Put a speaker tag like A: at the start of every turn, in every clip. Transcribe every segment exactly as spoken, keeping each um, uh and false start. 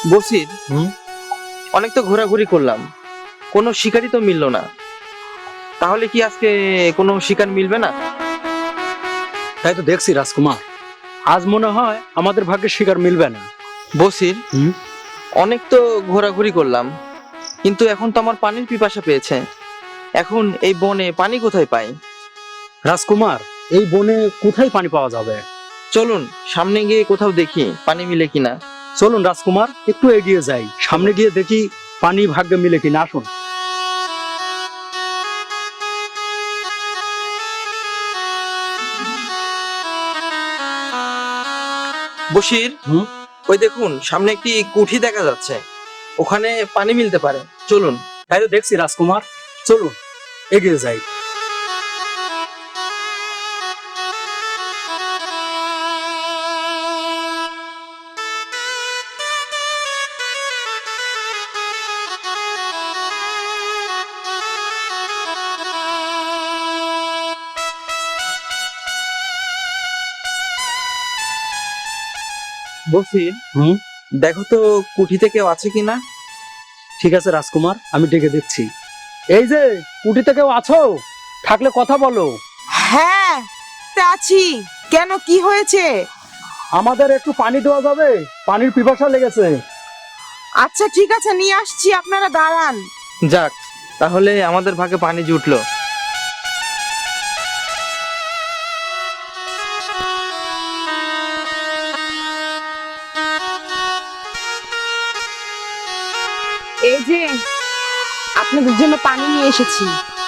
A: বসির,
B: হুম
A: অনেক তো ঘোরাঘুরি করলাম, কোনো শিকারই তো মিললো না। তাহলে কি আজকে কোনো শিকার মিলবে না?
B: তাই তো দেখছি রাজকুমার, আজ মনে হয় আমাদের ভাগ্যে শিকার মিলবে না।
A: বসির,
B: হুম
A: অনেক তো ঘোরাঘুরি করলাম, কিন্তু এখন তো আমার পানির পিপাসা পেয়েছে। এখন এই বনে পানি কোথায় পাই?
B: রাজকুমার, এই বনে কোথায় পানি পাওয়া যাবে?
A: চলুন সামনে গিয়ে কোথাও দেখি পানি মিলে কিনা।
B: চলুন রাজকুমার, একটু এগিয়ে যাই, সামনে গিয়ে দেখি পানি ভাগ্যে মিলে কিনা। আসুন।
A: বসির,
B: হুম
A: ওই দেখুন সামনে একটি কুঠি দেখা যাচ্ছে, ওখানে পানি মিলতে পারে, চলুন।
B: তাই তো দেখছি রাজকুমার, চলুন এগিয়ে যাই।
A: বসির,
B: হুম
A: দেখো তো কুঠিতে কেউ আছে কিনা।
B: ঠিক আছে রাজকুমার, আমি ডেকে দিচ্ছি। এই যে, কুটিতে কেউ আছো? থাকলে কথা বলো।
C: হ্যাঁ, তা আছি। কেন, কি হয়েছে?
B: আমাদের একটু পানি দেওয়া যাবে? পানির পিপাসা লেগেছে।
C: আচ্ছা ঠিক আছে, নিয়ে আসছি, আপনারা দাঁড়ান।
A: যাক, তাহলে আমাদের ভাগে পানি জুটলো।
C: এই যে, আপনাদের জন্য পানি নিয়ে এসেছি।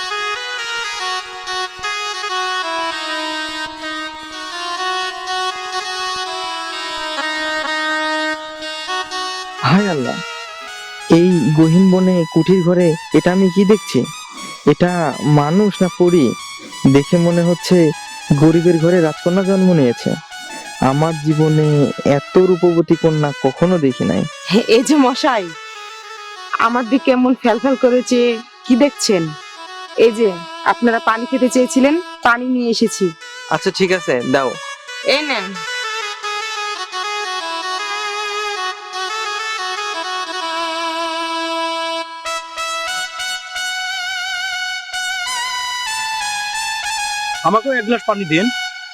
A: হায় আল্লাহ, এই গহীন বনে কুঠির ঘরে এটা আমি কি দেখছি? এটা মানুষ না পরী? দেখে মনে হচ্ছে গরিবের ঘরে রাজকন্যা জন্ম নিয়েছে। আমার জীবনে এত রূপবতী কন্যা কখনো দেখি নাই।
C: এই যে মশাই, আমার দিকে এমন ফ্যালফ্যাল করেছে, কি দেখছেন? এই যে, আপনারা পানি খেতে চেয়েছিলেন, পানি নিয়ে এসেছি।
A: আচ্ছা ঠিক আছে, দাও।
C: এই নেন।
B: আমাকেও এক গ্লাস পানি দিন।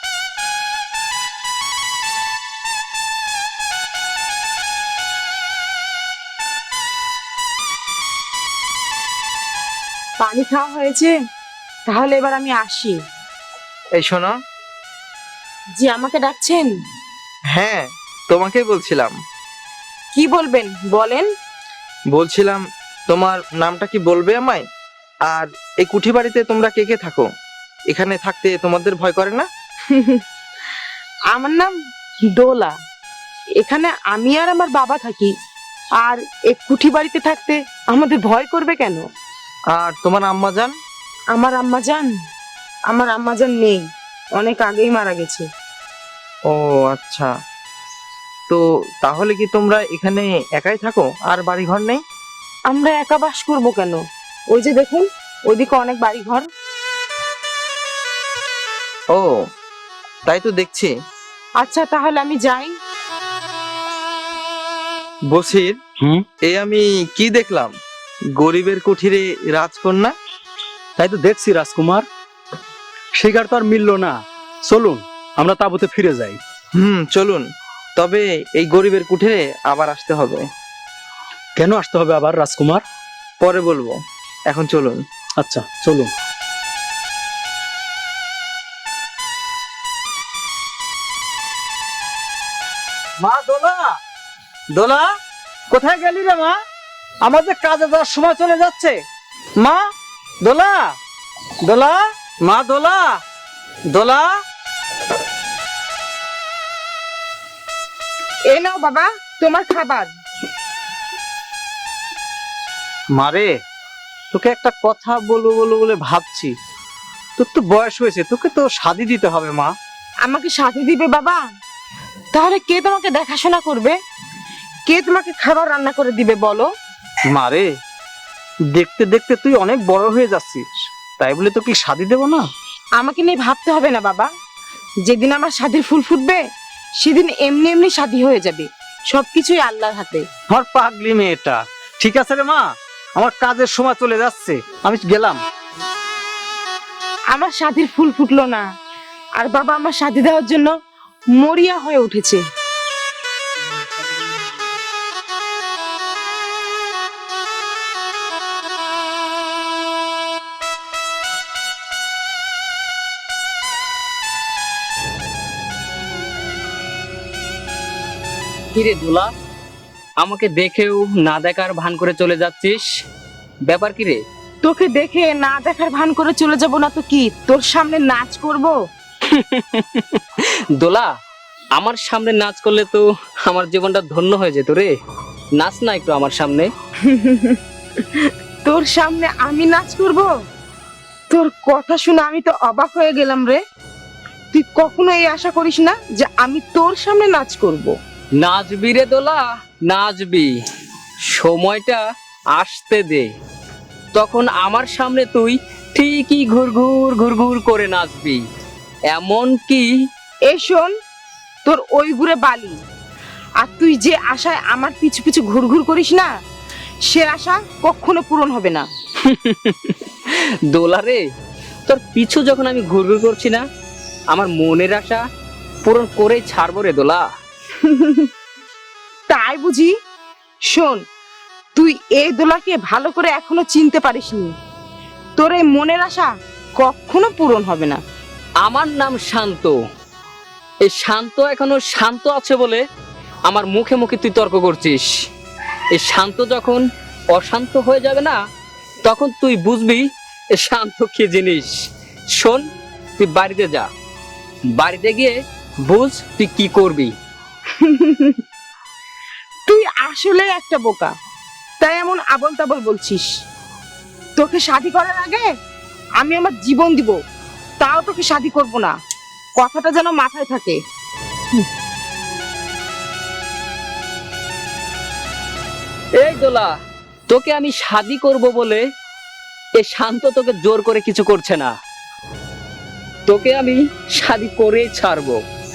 C: পানি খাওয়া হয়েছে, তাহলে এবার আমি আসি।
A: এই শোনো।
C: জি, আমাকে ডাকছেন?
A: হ্যাঁ, তোমাকেই বলছিলাম।
C: কি বলবেন, বলেন।
A: বলছিলাম, তোমার নামটা কি বলবে আমায়? আর এই কুঠি বাড়িতে তোমরা কে কে থাকো? এখানে থাকতে তোমাদের ভয় করে না?
C: আমার নাম দোলা। এখানে আমি আর আমার বাবা থাকি। আর এই কুঠি বাড়িতে থাকতে আমাদের ভয় করবে কেন?
A: আর তোমার আম্মা জান?
C: আমার আম্মা জান, আমার আম্মা জান নেই, অনেক আগেই মারা গেছে।
A: ও আচ্ছা, তো তাহলে কি তোমরা এখানে একাই থাকো, আর বাড়ি ঘর নেই?
C: আমরা একা বাস করবো কেন? ওই যে দেখুন, ওইদিকে অনেক বাড়ি ঘর।
A: ও, তাই তো দেখছি।
C: আচ্ছা তাহলে আমি যাই।
A: বসির,
B: হুম
A: এই আমি কি দেখলাম? গরিবের কুঠিরে রাজকন্যা।
B: তাই তো দেখছি রাজকুমার, শিকার তো আর মিললো না। চলুন আমরা তাঁবুতে ফিরে যাই।
A: হুম, চলুন। তবে এই গরিবের কুঠিরে আবার আসতে হবে।
B: কেন আসতে হবে আবার রাজকুমার?
A: পরে বলবো, এখন চলুন।
B: আচ্ছা চলুন। মা দোলা, দোলা, কোথায় গেলি রে মা? আমাদের কাজে যাওয়ার সময় চলে যাচ্ছে। মা দোলা, দোলা, মা দোলা, দোলা।
C: এই নাও বাবা, তোমার খাবার।
B: মারে, তোকে একটা কথা বলবো বলবো বলে ভাবছি। তোর তো বয়স হয়েছে, তোকে তো শাদি দিতে হবে মা।
C: আমাকে সাথে দিবে বাবা? তাহলে কে তোমাকে দেখাশোনা করবে? কে তোমাকে খাবার রান্না করে দিবে বলো?
B: মারে, দেখতে দেখতে তুই অনেক বড় হয়ে যাচ্ছিস, তাই বলে তোকে শাদি দেবো না?
C: আমাকে নিয়ে ভাবতে হবে না বাবা, যেদিন আমার শাদির ফুল ফুটবে সেদিন এমনি এমনি শাদি হয়ে যাবে। সবকিছুই আল্লাহর হাতে।
B: আমার পাগলি মেয়েটা। ঠিক আছে রে মা, আমার কাজের সময় চলে যাচ্ছে, আমি গেলাম।
C: আমার শাদির ফুল ফুটলো না, আর বাবা আমার শাদি দেওয়ার জন্য মরিয়া হয়ে উঠেছে।
D: কিরে দোলা, আমাকে দেখেও না দেখার ভান করে চলে যাচ্ছিস, ব্যাপার কি রে?
C: তোকে দেখে না দেখার ভান করে চলে যাব না তো কি, তোর সামনে নাচ করব?
D: দোলা, আমার সামনে নাচ করলে তো আমার জীবনটা ধন্য হয়ে যেত রে। নাচ না একটু আমার সামনে।
C: তোর সামনে আমি নাচ করব? তোর কথা শুনে আমি তো অবাক হয়ে গেলাম রে। তুই কখনো এই আশা করিস না যে আমি তোর সামনে নাচ করব।
D: নাচবি রে দোলা, নাচবি। সময়টা আসতে দে, তখন আমার সামনে তুই ঠিকই ঘুরঘুর ঘুরঘুর করে নাচবি। এমন কি
C: এই শোন, তোর ওই ঘুরে বালি, আর তুই যে আশায় আমার পিছু পিছু ঘুরঘুর করিস না, সে আশা কখনো পূরণ হবে না।
D: দোলা রে, তোর পিছু যখন আমি ঘুরঘুর করছি না, আমার মনের আশা পূরণ করেই ছাড়বো রে দোলা।
C: তাই বুঝি? শোন, তুই এই দোলাকে ভালো করে এখনো চিনতে পারিসনি। তোর এই মনের আশা কখনো পূরণ হবে না।
D: আমার নাম শান্ত। এই শান্ত এখনো শান্ত আছে বলে আমার মুখে মুখে তুই তর্ক করছিস। এই শান্ত যখন অশান্ত হয়ে যাবে না, তখন তুই বুঝবি এই শান্ত কি জিনিস। শোন, তুই বাড়িতে যা, বাড়িতে গিয়ে বুঝ তুই কি করবি।
C: তুই আসলে একটা বোকা, তাই এমন আবল তাবল বলছিস। তোকে শাদি করার আগে আমি আমার জীবন দিব, তাও তোকে শাদি করব না। কথাটা যেন মাথায় থাকে।
D: এই দোলা, তোকে আমি শাদি করব বলে এ শান্ত তোকে জোর করে কিছু করছে না। তোকে আমি শাদি করেই ছাড়বো।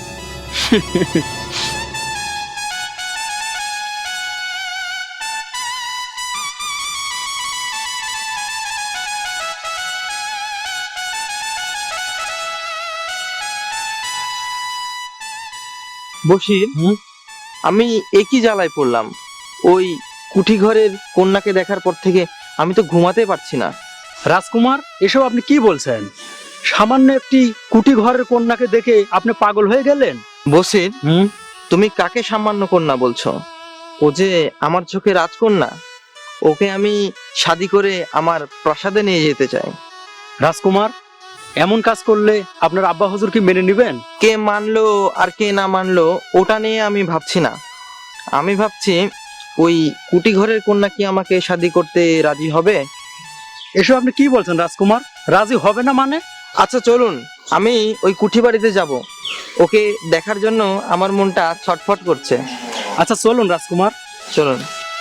A: বসির, আমি একই জ্বালায় পড়লাম। ওই কুঠি ঘরের কন্যাকে দেখার পর থেকে আমি তো ঘুমাতে পারছি না।
B: রাজকুমার, এসব আপনি কি বলছেন? সামান্য একটি কুটি ঘরের কন্যাকে দেখে আপনি পাগল হয়ে গেলেন?
A: বসির,
B: হুম,
A: তুমি কাকে সামান্য কন্যা বলছো? ও যে আমার চোখে রাজকন্যা। ওকে আমি শাদি করে আমার প্রাসাদে নিয়ে যেতে চাই।
B: রাজকুমার, এমন কাজ করলে আপনার আব্বা হুজুর কি মেনে নেবেন?
A: কে মানলো আর কে না মানলো ওটা নিয়ে আমি ভাবছি না। আমি ভাবছি ওই কুটি ঘরের কন্যা কি আমাকে শাদি করতে রাজি হবে?
B: এসব আপনি কি বলছেন রাজকুমার? রাজি হবে না মানে?
A: আচ্ছা চলুন, আমি ওই কুঠি বাড়িতে যাব। ওকে দেখার জন্য আমার মনটা ছটফট করছে।
B: আচ্ছা চলুন রাজকুমার।
A: চলুন।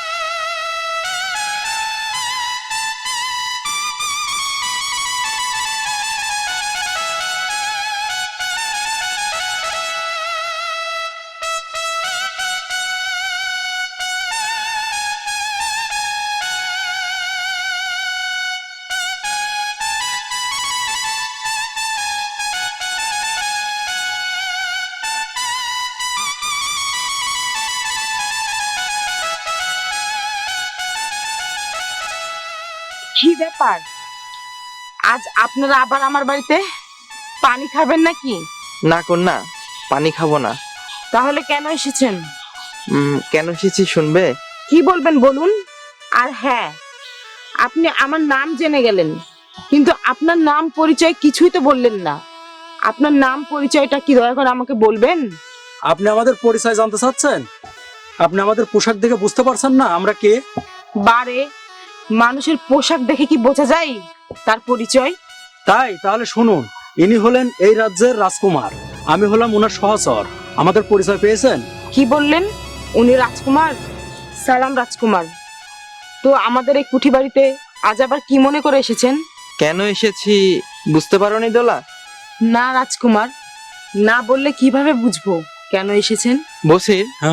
C: কি ব্যাপার, আজ আপনারা আবার আমার বাড়িতে? পানি খাবেন নাকি?
A: না কন্যা, পানি খাবো না।
C: তাহলে কেন এসেছেন?
A: উম, কেন এসেছি শুনবে?
C: কি বলবেন বলুন। আর হ্যাঁ, আপনি আমার নাম জেনে গেলেন, কিন্তু আপনার নাম পরিচয় কিছুই তো বললেন না। আপনার নাম পরিচয়টা কি দয়া করে আমাকে বলবেন?
B: আপনি আমাদের পরিচয় জানতে চাচ্ছেন? আপনি আমাদের পোশাক দেখে বুঝতে পারছেন না আমরা কে?
C: বারে, মানুষের পোশাক দেখে কি বোঝা যায় তার পরিচয়?
B: তাই তাহলে শুনুন, ইনি হলেন এই রাজ্যের রাজকুমার, আমি হলাম ওনার সহচর। আমাদের পরিচয় পেয়েছেন?
C: কি বললেন? উনি রাজকুমার? সালাম রাজকুমার। তো আমাদের এই কুঠি বাড়িতে আজ আবার কি মনে করে এসেছেন?
A: কেন এসেছি বুঝতে পারোনি দোলা?
C: না রাজকুমার, না বললে কিভাবে বুঝবো কেন এসেছেন?
A: বসির,
B: হ্যাঁ,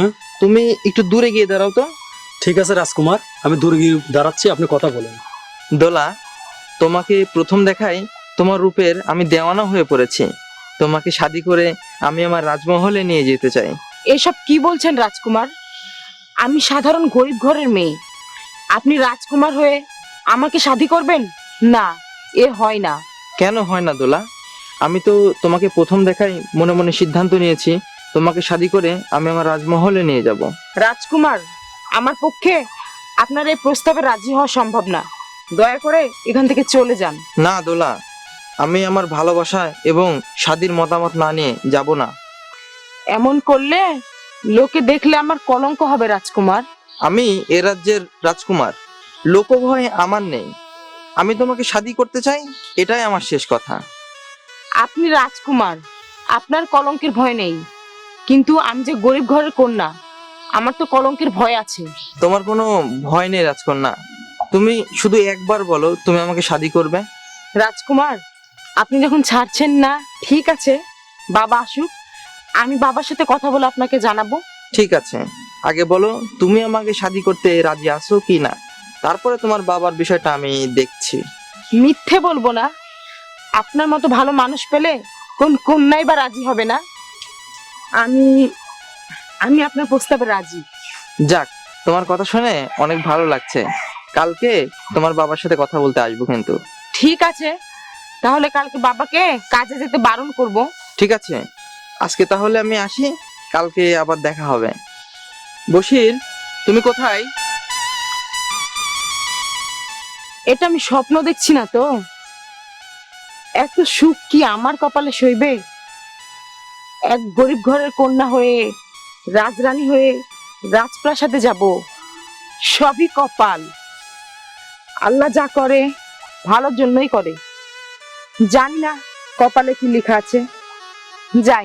A: তুমি একটু দূরে গিয়ে দাঁড়াও তো।
E: ঠিক আছে রাজকুমার, আমি দূরে গিয়ে দাঁড়াচ্ছি, আপনি কথা বলেন।
A: দোলা, তোমাকে প্রথম দেখাই তোমার রূপের আমি দেওয়ানা হয়ে পড়েছি। তোমাকে শাদি করে আমি আমার রাজমহলে নিয়ে যেতে চাই।
C: এসব কি বলছেন রাজকুমার? আমি সাধারণ গরিব ঘরের মেয়ে, আপনি রাজকুমার হয়ে আমাকে শাদী করবেন? না, এ হয় না।
A: কেন হয় না দোলা? আমি তো তোমাকে প্রথম দেখাই মনে মনে সিদ্ধান্ত নিয়েছি তোমাকে শাদি করে আমি আমার রাজমহলে নিয়ে যাব।
C: রাজকুমার, আমার পক্ষে আপনার এই প্রস্তাবে রাজি হওয়া সম্ভব না। দয়া করে এখান থেকে চলে যান।
A: না দোলা, আমি আমার ভালোবাসা এবং শাদির মতামত না নিয়ে যাব না।
C: এমন করলে লোকে দেখলে আমার কলঙ্ক হবে রাজকুমার।
A: আমি এ রাজ্যের রাজকুমার, লোকভয় আমার নেই। আমি তোমাকে শাদি করতে চাই, এটাই আমার শেষ কথা।
C: আপনি রাজকুমার, আপনার কলঙ্কের ভয় নেই, কিন্তু আমি যে গরিব ঘরের কন্যা, আমার তো কলঙ্কের ভয় আছে।
A: তোমার কোনো ভয় নেই রাজকন্যা, তুমি শুধু একবার বলো তুমি আমাকে শাদি করবে।
C: রাজকুমার, আপনি যখন ছাড়ছেন না, ঠিক আছে, বাবা আসুক, আমি বাবার সাথে কথা বলে আপনাকে জানাবো।
A: ঠিক আছে, আগে বলো তুমি আমাকে শাদি করতে রাজি আছো কি না, তারপরে তোমার বাবার বিষয়টা আমি দেখছি।
C: মিথ্যে বলবো না, আপনার মতো ভালো মানুষ পেলে কোন কন্যাই বা রাজি হবে না। আমি আমি আপনার প্রস্তাবে রাজি।
A: যাক, তোমার কথা শুনে অনেক ভালো লাগছে। কালকে তোমার বাবার সাথে কথা বলতে আসবো কিন্তু।
C: ঠিক আছে, তাহলে কালকে বাবাকে কাজে যেতে বারণ করব।
A: ঠিক আছে, আজকে তাহলে আমি আসি, কালকে আবার দেখা হবে। বশির, তুমি কোথায়?
C: এটা আমি স্বপ্ন দেখছি না তো? এত সুখ কি আমার কপালে সইবে? এক গরিব ঘরের কন্যা হয়ে, রাজরানী হয়ে রাজপ্রাসাদে যাব, সবই কপাল। আল্লাহ যা করে ভালোর জন্যই করে। জানি না কপালে কি লেখা আছে। যাই।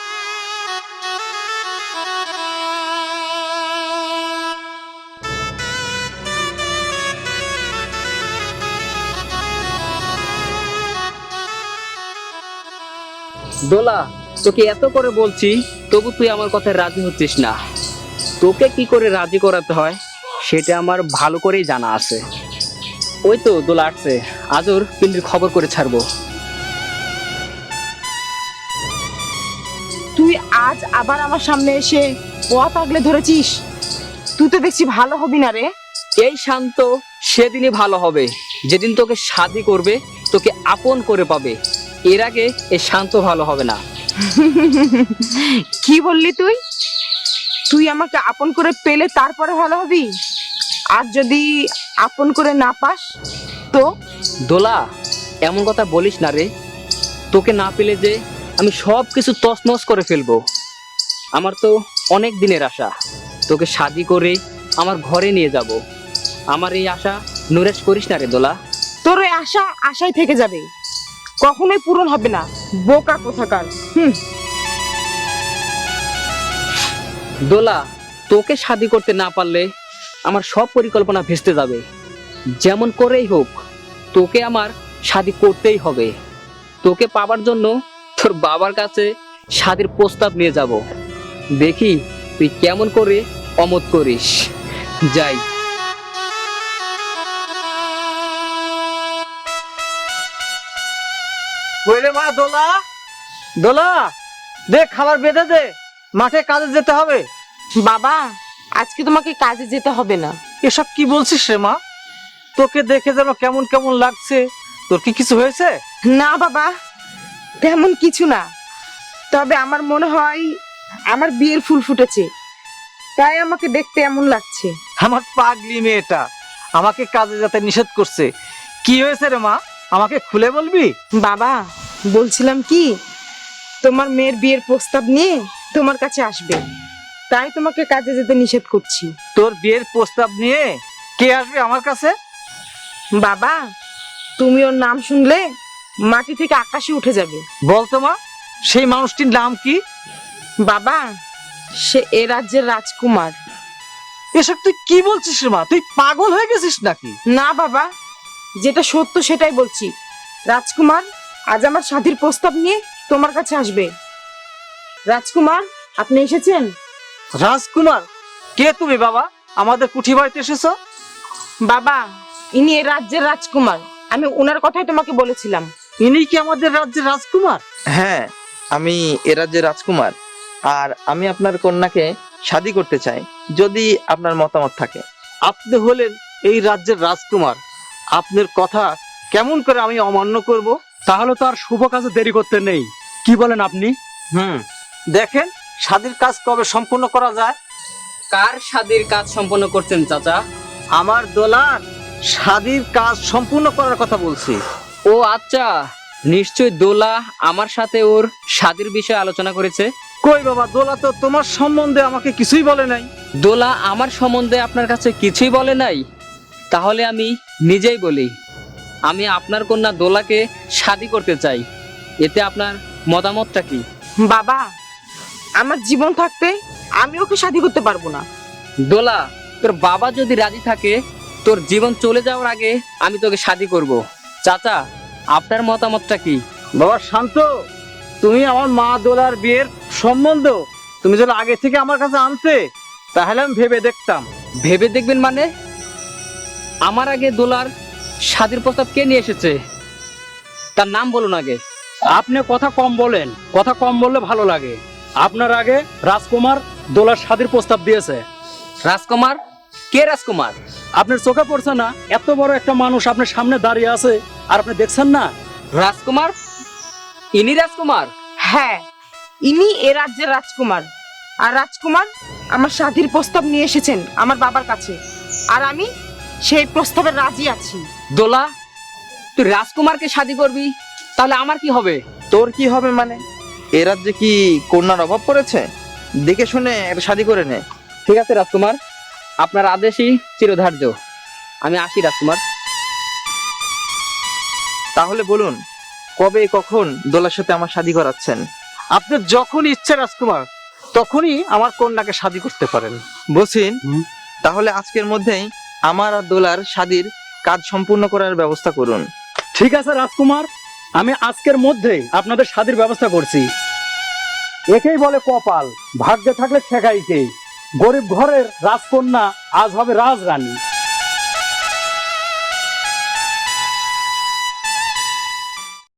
D: দোলা, তোকে এত করে বলছি, তবু তুই আমার কথায় রাজি হচ্ছিস না। তোকে কি করে রাজি করাতে হয় সেটা আমার ভালো করেই জানা আছে। ওই তো দোলা আসছে, আজর পিন্ডির খবর করে ছাড়বো।
C: তুই আজ আবার আমার সামনে এসে পথ আগলে ধরেছিস? তুই তো দেখছি ভালো হবি না রে।
D: এই শান্ত সেদিনই ভালো হবে যেদিন তোকে শাদি করবে, তোকে আপন করে পাবে। এর আগে এই শান্ত ভালো হবে না।
C: কি বললি তুই? তুই আমাকে আপন করে পেলে তারপরে ভালো হবি? আর যদি আপন করে না পাস তো?
D: দোলা, এমন কথা বলিস না রে। তোকে না পেলে যে আমি সব কিছু তছনছ করে ফেলবো। আমার তো অনেক দিনের আশা, তোকে শাদি করে আমার ঘরে নিয়ে যাব। আমার এই আশা নুরেশ করিস না রে দোলা।
C: তোর ওই আশা আশাই থেকে যাবে, কখনোই পূরণ হবে না, বোকা কোথাকার। হুম।
D: দোলা, তোকে শাদি করতে না পারলে আমার সব পরিকল্পনা ভেস্তে যাবে। যেমন করেই হোক তোকে আমার শাদি করতেই হবে। তোকে পাবার জন্য তোর বাবার কাছে শাদির প্রস্তাব নিয়ে যাব। দেখি তুই কেমন করে অমত করিস। যাই।
B: বইলে মা দোলা, দোলা দে খাবার বেঁধে দে, মাঠে কাজে যেতে হবে।
C: বাবা, আজকে তোমাকে কাজে যেতে হবে না।
B: এসব কি বলছিস রে মা? তোকে দেখে যেন কেমন কেমন লাগছে। তোর কি কিছু হয়েছে?
C: না বাবা, তেমন কিছু না, তবে আমার মনে হয় আমার বিয়ের ফুল ফুটেছে, তাই আমাকে দেখতে এমন লাগছে।
B: আমার পাগলি মেয়েটা আমাকে কাজে যেতে নিষেধ করছে। কি হয়েছে রে মা, আমাকে খুলে বলবি?
C: বাবা, বলছিলাম কি, তোমার মেয়ের বিয়ের প্রস্তাব নিয়ে তোমার কাছে আসবে, তাই তোমাকে কাজে যেতে নিষেধ করছি।
B: তোর বিয়ের প্রস্তাব নিয়ে কে আসবে আমার কাছে?
C: বাবা, তুমি ওর নাম শুনলে মাটি থেকে আকাশে উঠে যাবে।
B: বলতো মা, সেই মানুষটির নাম কি?
C: বাবা, সে এ রাজ্যের রাজকুমার।
B: এসব তুই কি বলছিস রে মা? তুই পাগল হয়ে গেছিস নাকি?
C: না বাবা, যেটা সত্য সেটাই বলছি। রাজকুমার আজ আমার শাদীর প্রস্তাব নিয়ে তোমার কাছে আসবে। রাজকুমার, আপনি এসেছেন?
B: রাজকুমার? কে তুমি বাবা? আমাদের কুঠি বাড়িতে এসেছো?
C: বাবা, ইনি এই রাজ্যের রাজকুমার। আমি ওনার কথাই তোমাকে বলেছিলাম।
B: ইনি কি আমাদের রাজ্যের রাজকুমার?
A: হ্যাঁ, আমি এ রাজ্যের রাজকুমার, আর আমি আপনার কন্যাকে শাদী করতে চাই, যদি আপনার মতামত থাকে।
B: আপনি হলেন এই রাজ্যের রাজকুমার, আপনার কথা কেমন করে আমি অমান্য করব?
E: তাহলে তো আর শুভ কাজে দেরি করতে নেই, কি বলেন আপনি?
B: হুম, দেখেন শাদীর কাজ কবে সম্পূর্ণ করা যায়।
D: কার শাদীর কাজ সম্পন্ন করছেন চাচা?
B: আমার দোলার শাদীর কাজ সম্পূর্ণ করার কথা বলছি।
D: ও আচ্ছা, নিশ্চয় দোলা আমার সাথে ওর শাদীর বিষয়ে আলোচনা করেছে।
B: কই বাবা, দোলা তো তোমার সম্বন্ধে আমাকে কিছুই বলে নাই।
D: দোলা আমার সম্বন্ধে আপনার কাছে কিছুই বলে নাই? তাহলে আমি নিজেই বলি, আমি আপনার কন্যা দোলাকে শাদী করতে চাই। এতে আপনার মতামতটা কি?
C: বাবা, আমার জীবন থাকতে আমি ওকে শাদী করতে পারবো না।
D: দোলা, তোর বাবা যদি রাজি থাকে, তোর জীবন চলে যাওয়ার আগে আমি তোকে শাদী করব। চাচা, আপনার মতামতটা কি?
B: বাবা শান্ত, তুমি আমার মা দোলার বিয়ের সম্বন্ধ তুমি যদি আগে থেকে আমার কাছে আনতে, তাহলে আমি ভেবে দেখতাম।
D: ভেবে দেখবেন মানে? আমার আগে দোলার শাদীর প্রস্তাব কে নিয়ে এসেছে? তার নাম বলুন আগে।
E: আপনি কথা কম বলেন, কথা কম বললে ভালো লাগে। আপনার আগে রাজকুমার দোলার শাদীর প্রস্তাব দিয়েছে।
D: রাজকুমার? কে রাজকুমার?
E: আপনার চোখে পড়ছে না? এত বড় একটা মানুষ আপনার সামনে দাঁড়িয়ে আছে, আর আপনি দেখছেন না?
D: রাজকুমার? ইনি রাজকুমার?
C: হ্যাঁ, ইনি এ রাজ্যের রাজকুমার। আর রাজকুমার আমার শাদীর প্রস্তাব নিয়ে এসেছেন আমার বাবার কাছে, আর আমি সেই প্রস্তাবে রাজি আছি।
D: দোলা, তুই রাজকুমারকে শাদী করবি, তাহলে আমার কি হবে?
A: তোর কি হবে মানে? এ রাজ্যে কি কন্যার অভাব পড়েছে? দেখে শুনে একটা শাদী করে নে।
D: ঠিক আছে রাজকুমার, আপনার আদেশই চিরধার্য। আমি আসি রাজকুমার।
A: তাহলে বলুন, কবে কখন দোলার সাথে আমার শাদী করাচ্ছেন?
B: আপনার যখন ইচ্ছে রাজকুমার, তখনই আমার কন্যাকে শাদী করতে পারেন।
A: বসিন,
E: হুম।
A: তাহলে আজকের মধ্যেই আমার আর দোলার শাদীর কাজ সম্পূর্ণ করার ব্যবস্থা করুন।
E: ঠিক আছে রাজকুমার, আমি আজকের মধ্যেই আপনাদের শাদীর ব্যবস্থা করছি। একেই বলে কপাল, ভাগ্যে থাকলে ঠেকাই কে। গরিব ঘরের রাজকন্যা আজ হবে রাজরানী।